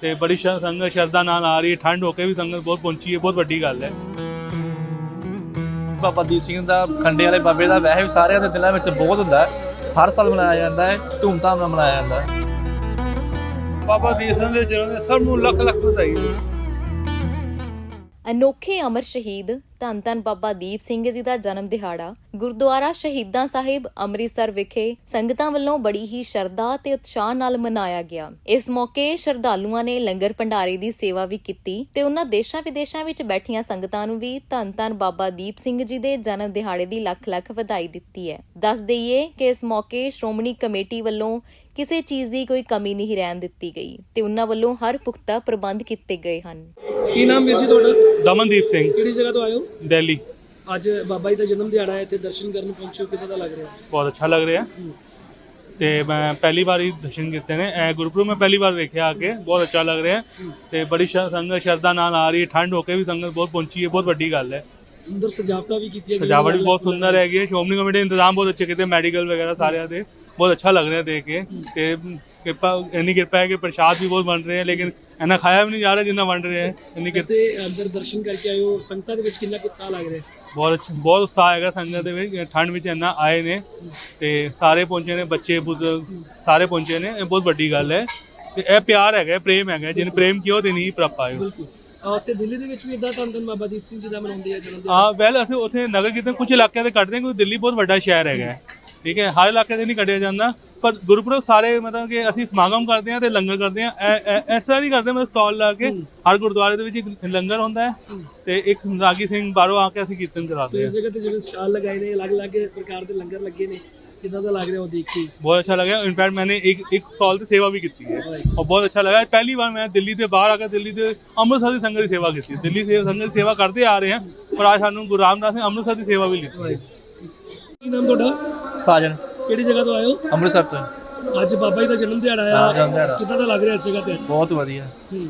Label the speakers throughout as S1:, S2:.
S1: ਤੇ ਬੜੀ ਸੰਗਤ ਸ਼ਰਧਾ ਨਾਲ ਆ ਰਹੀ ਹੈ। ਠੰਡ ਹੋ ਕੇ ਵੀ ਸੰਗਤ ਬਹੁਤ ਪਹੁੰਚੀ ਹੈ, ਬਹੁਤ ਵੱਡੀ ਗੱਲ ਹੈ।
S2: ਬਾਬਾ ਦੀਪ ਸਿੰਘ ਦਾ ਖੰਡੇ ਵਾਲੇ ਬਾਬੇ ਦਾ ਵੈਸੇ ਵੀ ਸਾਰਿਆਂ ਦੇ ਦਿਲਾਂ ਵਿੱਚ ਬਹੁਤ ਹੁੰਦਾ ਹੈ। ਹਰ ਸਾਲ ਮਨਾਇਆ ਜਾਂਦਾ ਹੈ, ਧੂਮਧਾਮ ਨਾਲ ਮਨਾਇਆ ਜਾਂਦਾ ਹੈ।
S1: ਬਾਬਾ ਦੀਪ ਸਿੰਘ ਦੇ ਜਨਮ ਦਿਨ ਸਭ ਨੂੰ ਲੱਖ ਲੱਖ ਵਧਾਈ।
S3: ਅਨੋਖੇ ਅਮਰ ਸ਼ਹੀਦ ਧੰਨ ਧੰਨ ਬਾਬਾ ਦੀਪ ਸਿੰਘ ਜੀ ਦਾ ਜਨਮ ਦਿਹਾੜਾ ਗੁਰਦੁਆਰਾ ਸ਼ਹੀਦਾਂ ਸਾਹਿਬ ਅੰਮ੍ਰਿਤਸਰ ਵਿਖੇ ਸੰਗਤਾਂ ਵੱਲੋਂ ਬੜੀ ਹੀ ਸ਼ਰਧਾ ਤੇ ਉਤਸ਼ਾਹ ਨਾਲ ਮਨਾਇਆ ਗਿਆ। ਇਸ ਮੌਕੇ ਸ਼ਰਧਾਲੂਆਂ ਨੇ ਲੰਗਰ ਭੰਡਾਰੇ ਦੀ ਸੇਵਾ ਵੀ ਕੀਤੀ ਤੇ ਉਹਨਾਂ ਦੇਸ਼ਾਂ ਵਿਦੇਸ਼ਾਂ ਵਿੱਚ ਬੈਠੀਆਂ ਸੰਗਤਾਂ ਨੂੰ ਵੀ ਧੰਨ ਧੰਨ ਬਾਬਾ ਦੀਪ ਸਿੰਘ ਜੀ ਦੇ ਜਨਮ ਦਿਹਾੜੇ ਦੀ ਲੱਖ ਲੱਖ ਵਧਾਈ ਦਿੱਤੀ ਹੈ। ਦੱਸ ਦਈਏ ਕਿ ਇਸ ਮੌਕੇ ਸ਼੍ਰੋਮਣੀ ਕਮੇਟੀ ਵੱਲੋਂ ਕਿਸੇ ਚੀਜ਼ ਦੀ ਕੋਈ ਕਮੀ ਨਹੀਂ ਰਹਿਣ ਦਿੱਤੀ ਗਈ ਤੇ ਉਹਨਾਂ ਵੱਲੋਂ ਹਰ ਪੁਖਤਾ ਪ੍ਰਬੰਧ ਕੀਤੇ ਗਏ ਹਨ।
S4: ਕੀ ਨਾਮ ਵੀਰ ਜੀ ਤੁਹਾਡਾ?
S1: ਦਮਨਦੀਪ ਸਿੰਘ,
S4: ਕਿਹੜੀ ਜਗ੍ਹਾ ਤੋਂ ਆਏ ਹੋ?
S1: ਦਿੱਲੀ।
S4: ਅੱਜ ਬਾਬਾ ਜੀ ਦਾ ਜਨਮ ਦਿਹਾੜਾ ਹੈ, ਇੱਥੇ ਦਰਸ਼ਨ ਕਰਨ ਪਹੁੰਚੇ ਹੋ, ਕਿੱਦਾਂ ਦਾ ਲੱਗ ਰਿਹਾ?
S1: ਬਹੁਤ ਅੱਛਾ ਲੱਗ ਰਿਹਾ ਤੇ ਮੈਂ ਪਹਿਲੀ ਵਾਰ ਹੀ ਦਰਸ਼ਨ ਕੀਤੇ ਨੇ। ਗੁਰਪੁਰਬ ਮੈਂ ਪਹਿਲੀ ਵਾਰ ਵੇਖਿਆ ਆ ਕੇ, ਬਹੁਤ ਅੱਛਾ ਲੱਗ ਰਿਹਾ ਤੇ ਬੜੀ ਸੰਗਤ ਸ਼ਰਧਾ ਨਾਲ ਆ ਰਹੀ ਹੈ। ਠੰਡ ਹੋ ਕੇ ਵੀ ਸੰਗਤ ਬਹੁਤ ਪਹੁੰਚੀ ਹੈ, ਬਹੁਤ ਵੱਡੀ ਗੱਲ ਹੈ।
S4: ਸੁੰਦਰ ਸਜਾਵਟਾਂ ਵੀ ਕੀਤੀਆਂ ਗਈਆਂ,
S1: ਸਜਾਵਟ ਵੀ ਬਹੁਤ ਸੁੰਦਰ ਹੈਗੀ ਹੈ। ਸ਼੍ਰੋਮਣੀ ਕਮੇਟੀ ਦੇ ਇੰਤਜ਼ਾਮ ਬਹੁਤ ਅੱਛੇ ਕੀਤੇ, ਮੈਡੀਕਲ ਵਗੈਰਾ ਸਾਰਿਆਂ ਦੇ ਬਹੁਤ ਅੱਛਾ ਲੱਗ ਰਿਹਾ ਦੇਖ ਕੇ। ਤੇ ਇੰਨੀ ਕਿਰਪਾ ਹੈ ਕਿ ਪ੍ਰਸ਼ਾਦ ਵੀ ਬਹੁਤ ਬਣ ਰਹੇ ਹੈ, ਲੇਕਿਨ ਇੰਨਾ ਖਾਇਆ ਵੀ ਨਹੀਂ ਜਾ ਰਿਹਾ ਜਿੰਨਾ ਬਣ ਰਿਹਾ ਹੈ। ਇੰਨੀ ਕਿਰਪਾ
S4: ਤੇ ਅੰਦਰ ਦਰਸ਼ਨ ਕਰਕੇ ਆਏ ਹੋ, ਸੰਗਤਾਂ ਦੇ ਵਿੱਚ ਕਿੰਨਾ ਕੁ ਉਤਸ਼ਾਹ ਲੱਗ ਰਿਹਾ?
S1: ਬਹੁਤ ਅੱਛਾ, ਬਹੁਤ ਉਤਸ਼ਾਹ ਹੈਗਾ ਸੰਗਤ ਦੇ ਵਿੱਚ। ਠੰਡ ਵਿੱਚ ਇੰਨਾ ਆਏ ਨੇ ਤੇ ਸਾਰੇ ਪਹੁੰਚੇ ਨੇ, ਬੱਚੇ ਬੁੱਢੇ ਸਾਰੇ ਪਹੁੰਚੇ ਨੇ। ਇਹ ਬਹੁਤ ਵੱਡੀ ਗੱਲ ਹੈ ਤੇ ਇਹ ਪਿਆਰ ਹੈਗਾ, ਪ੍ਰੇਮ ਹੈਗਾ। ਜਿਹਨੇ ਪ੍ਰੇਮ ਕੀਤਾ ਉਹ ਤੇ ਨਹੀਂ ਪ੍ਰਾਪਤ ਆਏ।
S4: ਬਿਲਕੁਲ। ਤੇ ਦਿੱਲੀ ਦੇ ਵਿੱਚ ਵੀ ਇਦਾਂ ਧੰਨ ਧੰਨ ਬਾਬਾ ਦੀਪ ਸਿੰਘ ਜੀ ਦਾ ਮਨਾਉਂਦੇ ਆ ਜਨਮ ਦਿਨ?
S1: ਹਾਂ, ਵੈਲ ਅਸੀਂ ਉੱਥੇ ਨਗਰ ਕੀਰਤਨ ਕੁਝ ਇਲਾਕਿਆਂ ਤੇ ਕੱਢਦੇ ਹਾਂ, ਕਿਉਂਕਿ ਦਿੱਲੀ ਬਹੁਤ ਵੱਡਾ ਸ਼ਹਿਰ ਹੈਗਾ, ਠੀਕ ਹੈ। ਹਰ ਇਲਾਕੇ 'ਤੇ ਨਹੀਂ ਕੱਢਿਆ ਜਾਂਦਾ, ਪਰ ਗੁਰਪੁਰਬ ਸਾਰੇ ਮਤਲਬ ਕਿ ਅਸੀਂ ਸਮਾਗਮ ਕਰਦੇ ਹਾਂ ਤੇ ਲੰਗਰ ਕਰਦੇ ਹਾਂ। ਇਸ ਤਰ੍ਹਾਂ ਨਹੀਂ ਕਰਦੇ, ਮਤਲਬ ਸਟਾਲ ਲਾ ਕੇ ਹਰ ਗੁਰਦੁਆਰੇ ਦੇ ਵਿੱਚ ਇੱਕ ਲੰਗਰ ਹੁੰਦਾ ਹੈ ਤੇ ਇੱਕ ਰਾਗੀ ਸਿੰਘ ਬਾਹਰੋਂ ਆ ਕੇ ਅਸੀਂ ਕੀਰਤਨ ਕਰਾਉਂਦੇ ਹਾਂ।
S4: ਇਸ ਜਗ੍ਹਾ ਤੇ ਜਿਵੇਂ ਸਟਾਲ ਲਗਾਏ ਨੇ, ਅਲੱਗ-ਅਲੱਗ ਪ੍ਰਕਾਰ ਦੇ ਲੰਗਰ ਲੱਗੇ ਨੇ, ਕਿੱਦਾਂ ਦਾ ਲੱਗ ਰਿਹਾ ਉਹ ਦੇਖ ਕੇ?
S1: ਬਹੁਤ ਅੱਛਾ लगा। इनफैक्ट मैंने एक स्टॉल से सेवा भी की है और बहुत अच्छा लगा। पहली बार मैं दिल्ली से बाहर आकर दिल्ली से अमृतसर की संगत की सेवा की। दिल्ली से संगत की सेवा करते आ रहे हैं, पर आज सानू गुरु रामदास ने अमृतसर की सेवा भी ली।
S4: ਕੀ ਨਾਮ ਤੁਹਾਡਾ?
S2: ਸਾਜਨ,
S4: ਕਿਹੜੀ ਜਗ੍ਹਾ ਤੋਂ ਆਏ ਹੋ?
S2: ਅੰਮ੍ਰਿਤਸਰ ਤੋਂ।
S4: ਅੱਜ ਬਾਬਾ ਜੀ ਦਾ ਜਨਮ ਦਿਹਾੜਾ
S2: ਹਾਂ,
S4: ਆ,
S2: ਜਨਮ ਦਿਹਾੜਾ।
S4: ਕਿੱਦਾਂ ਦਾ ਲੱਗ ਰਿਹਾ ਇਸ ਜਗ੍ਹਾ ਤੇ?
S2: ਬਹੁਤ ਵਧੀਆ,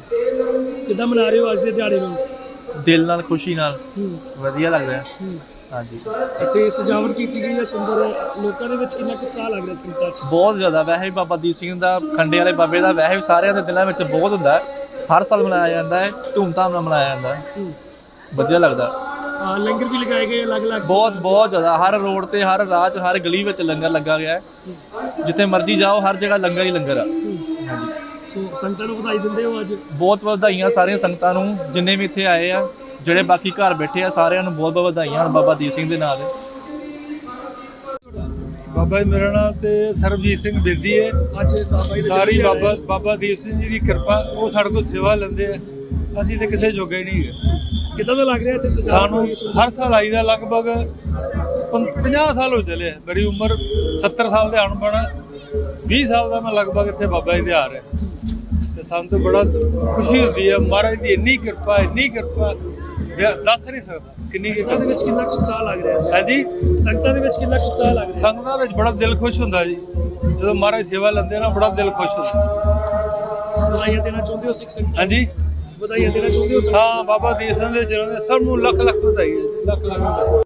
S4: ਕਿੱਦਾਂ ਮਨਾ ਰਹੇ ਹੋ ਅੱਜ ਦੇ ਦਿਹਾੜੇ ਨੂੰ?
S2: ਦਿਲ ਨਾਲ, ਖੁਸ਼ੀ ਨਾਲ, ਵਧੀਆ ਲੱਗ ਰਿਹਾ। ਹਾਂਜੀ,
S4: ਇੱਥੇ ਸਜਾਵਟ ਕੀਤੀ ਗਈ ਹੈ ਸੁੰਦਰ। ਲੋਕਾਂ ਦੇ ਵਿੱਚ ਕਿੰਨਾ ਕੁ ਉਤਸ਼ਾਹ ਲੱਗ ਰਿਹਾ ਸੰਗਤਾਂ 'ਚ?
S2: ਬਹੁਤ ਜ਼ਿਆਦਾ। ਵੈਸੇ ਵੀ ਬਾਬਾ ਦੀਪ ਸਿੰਘ ਦਾ ਖੰਡੇ ਵਾਲੇ ਬਾਬੇ ਦਾ ਵੈਸੇ ਵੀ ਸਾਰਿਆਂ ਦੇ ਦਿਲਾਂ ਵਿੱਚ ਬਹੁਤ ਹੁੰਦਾ ਹੈ। ਹਰ ਸਾਲ ਮਨਾਇਆ ਜਾਂਦਾ ਹੈ, ਧੂਮਧਾਮ ਨਾਲ ਮਨਾਇਆ ਜਾਂਦਾ ਹੈ। ਵਧੀਆ ਲੱਗਦਾ।
S4: ਲੰਗਰ ਵੀ ਲਗਾਏ ਗਏ ਅਲੱਗ-ਅਲੱਗ?
S2: ਬਹੁਤ ਜ਼ਿਆਦਾ। ਹਰ ਰੋਡ ਤੇ, ਹਰ ਰਾਹ 'ਚ, ਹਰ ਗਲੀ ਵਿੱਚ ਲੰਗਰ ਲੱਗਾ ਗਿਆ ਹੈ। ਜਿੱਥੇ ਮਰਜ਼ੀ ਜਾਓ, ਹਰ ਜਗ੍ਹਾ ਲੰਗਰ ਹੀ ਲੰਗਰ ਆ। ਹਾਂਜੀ,
S4: ਸੋ ਸੰਗਤਾਂ ਨੂੰ ਵਧਾਈ ਦਿੰਦੇ ਹੋ ਅੱਜ?
S2: ਬਹੁਤ ਵਧਾਈਆਂ ਸਾਰੀਆਂ ਸੰਗਤਾਂ ਨੂੰ, ਜਿੰਨੇ ਵੀ ਇੱਥੇ ਆਏ ਆ, ਜਿਹੜੇ ਬਾਕੀ ਘਰ ਬੈਠੇ ਆ, ਸਾਰਿਆਂ ਨੂੰ ਬਹੁਤ ਬਹੁਤ ਵਧਾਈਆਂ ਹਨ ਬਾਬਾ ਦੀਪ ਸਿੰਘ ਦੇ ਨਾਂ 'ਤੇ।
S5: ਬਾਬਾ ਜੀ ਮੇਰਾ ਨਾਮ ਤੇ ਸਰਬਜੀਤ ਸਿੰਘ ਬਿਰਦੀ ਹੈ।
S4: ਅੱਜ ਬਾਬਾ ਜੀ
S5: ਸਾਰੀ ਬਾਬਾ ਦੀਪ ਸਿੰਘ ਜੀ ਦੀ ਕਿਰਪਾ, ਉਹ ਸਾਡੇ ਕੋਲ ਸੇਵਾ ਲੈਂਦੇ ਆ। ਅਸੀਂ ਤੇ ਕਿਸੇ ਜੋਗੇ ਹੀ ਨਹੀਂ ਹੈਗੇ।
S4: ਕਿੱਦਾਂ ਦਾ ਲੱਗ ਰਿਹਾ ਇੱਥੇ
S5: ਸਾਨੂੰ ਹਰ ਸਾਲ ਆਈਦਾ, ਲਗਭਗ 50 ਸਾਲ ਹੋ ਚਲੇ। ਮੇਰੀ ਉਮਰ 70 ਸਾਲ ਦੇ ਆਉਣ ਬਣਾ 20 ਸਾਲ ਦਾ ਮੈਂ ਲਗਭਗ ਇੱਥੇ ਬਾਬਾ ਜੀ ਦੇ ਆ ਰਿਹਾ ਤੇ ਸਾਨੂੰ ਤਾਂ ਬੜਾ ਖੁਸ਼ੀ ਹੁੰਦੀ ਹੈ। ਮਹਾਰਾਜ ਦੀ ਇੰਨੀ ਕਿਰਪਾ ਦੱਸ ਨਹੀਂ ਸਕਦਾ ਕਿੰਨੀ।
S4: ਸੰਗਤਾਂ ਦੇ ਵਿੱਚ ਕਿੰਨਾ ਕੁ ਉਤਸ਼ਾਹ ਲੱਗ ਰਿਹਾ ਸੀ?
S5: ਹਾਂਜੀ,
S4: ਸੰਗਤਾਂ ਦੇ ਵਿੱਚ ਕਿੰਨਾ ਕੁ ਉਤਸ਼ਾਹ ਲੱਗ ਰਿਹਾ?
S5: ਸੰਗਤਾਂ ਵਿੱਚ ਬੜਾ ਦਿਲ ਖੁਸ਼ ਹੁੰਦਾ ਜੀ, ਜਦੋਂ ਮਹਾਰਾਜ ਸੇਵਾ ਲੈਂਦੇ ਨਾ, ਬੜਾ ਦਿਲ ਖੁਸ਼ ਹੁੰਦਾ।
S4: ਵਧਾਈਆਂ ਦੇਣਾ ਚਾਹੁੰਦੇ ਹੋ ਸਿੱਖ ਸੰਗਤਾਂ?
S5: ਹਾਂਜੀ,
S4: ਵਧਾਈਆਂ ਦੇਣਾ ਚਾਹੁੰਦੇ ਹੋ?
S5: ਹਾਂ, ਬਾਬਾ ਦੀਪ ਸਿੰਘ ਦੇ ਜਨਮ ਦਿਨ ਸਭ ਨੂੰ ਲੱਖ ਲੱਖ ਵਧਾਈ ਹੈ, ਲੱਖ ਲੱਖ ਵਧਾਈ।